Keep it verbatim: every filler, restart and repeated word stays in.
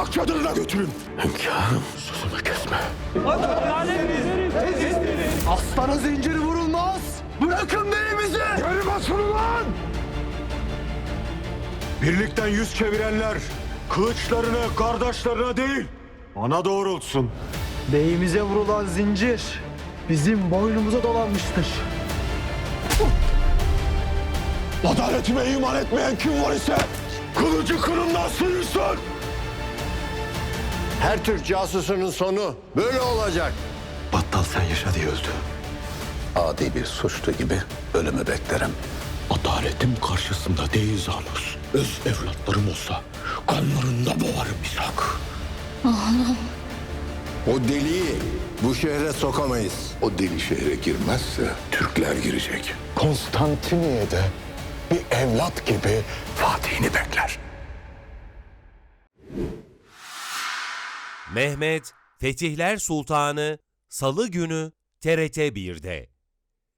konak çadırına götürün. Hünkârım, sözümü kesme. Aslana zinciri vurulmaz. Bırakın beyimizi. Geri basın ulan. Birlikten yüz çevirenler kılıçlarını kardeşlerine değil bana doğrultsun. Beyimize vurulan zincir bizim boynumuza dolanmıştır. Adaletime iman etmeyen kim var ise kılıcı kırımdan sıyırsın. Her Türk casusunun sonu böyle olacak. Battal sen yaşa diye öldü. Adi bir suçlu gibi ölümü beklerim. Adaletim karşısında değil Zanus. Öz evlatlarım olsa kanlarında boğarım İshak. O deliği bu şehre sokamayız. O deli şehre girmezse Türkler girecek. Konstantiniye'de bir evlat gibi Fatih'ini bekler. Mehmet Fetihler Sultanı Salı günü T R T bir'de.